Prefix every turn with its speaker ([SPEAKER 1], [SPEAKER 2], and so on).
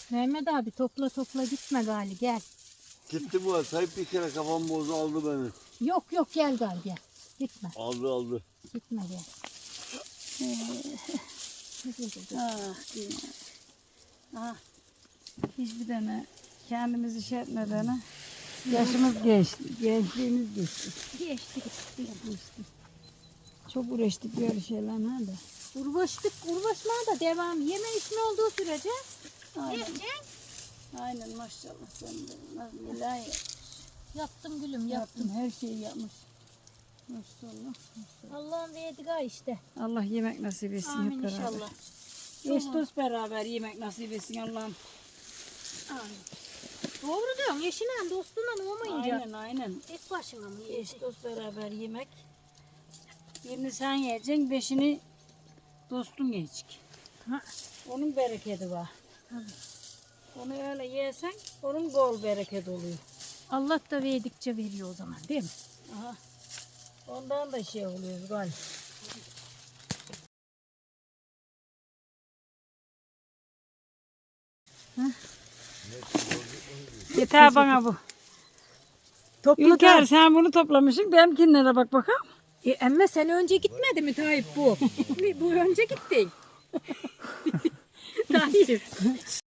[SPEAKER 1] Mehmet abi topla gitme gali gel.
[SPEAKER 2] Gitti bu. Tayyip bir kere kafam bozdu aldı beni.
[SPEAKER 1] Yok gel gali gel. Gitme.
[SPEAKER 2] Aldı.
[SPEAKER 1] Gitme gel.
[SPEAKER 3] Dünya. Ah. Hiçbir tane kendimizi şey etmeden yaşımız geçti. Gençliğimiz geçti.
[SPEAKER 1] Geçti.
[SPEAKER 3] Çok uğraştık böyle şeylerle de.
[SPEAKER 1] Uğraşmaya da devam. Yeme içme olduğu sürece.
[SPEAKER 3] Aynen.
[SPEAKER 1] Yiyeceksin.
[SPEAKER 3] Aynen maşallah sen de. Neler
[SPEAKER 1] Yaptım gülüm
[SPEAKER 3] yaptın. Her şeyi yapmış. Maşallah.
[SPEAKER 1] Allah'ın verdiği gal işte.
[SPEAKER 3] Allah yemek nasip etsin
[SPEAKER 1] Amin
[SPEAKER 3] hep beraber.
[SPEAKER 1] inşallah.
[SPEAKER 3] Eş dost beraber yemek nasip etsin Allah'ım.
[SPEAKER 1] Amin. Doğru diyorsun. Eşinle dostunla olmayınca.
[SPEAKER 3] Aynen.
[SPEAKER 1] Tek başına mı
[SPEAKER 3] Eş
[SPEAKER 1] yiyeceksin?
[SPEAKER 3] dost beraber yemek. Birini sen yiyeceksin, beşini dostun yiyecek.
[SPEAKER 1] Ha.
[SPEAKER 3] Onun bereketi var. Onu öyle yersen onun bol bereket oluyor.
[SPEAKER 1] Allah da verdikçe veriyor o zaman değil mi?
[SPEAKER 3] Aha. Ondan da şey oluyor galiba. Yeter bana bu. Ülker sen bunu toplamışsın. Benimkinlere bak bakalım.
[SPEAKER 1] Ama sen önce gitmedi mi Tayyip bu? Bu önce gitti. Tayyip.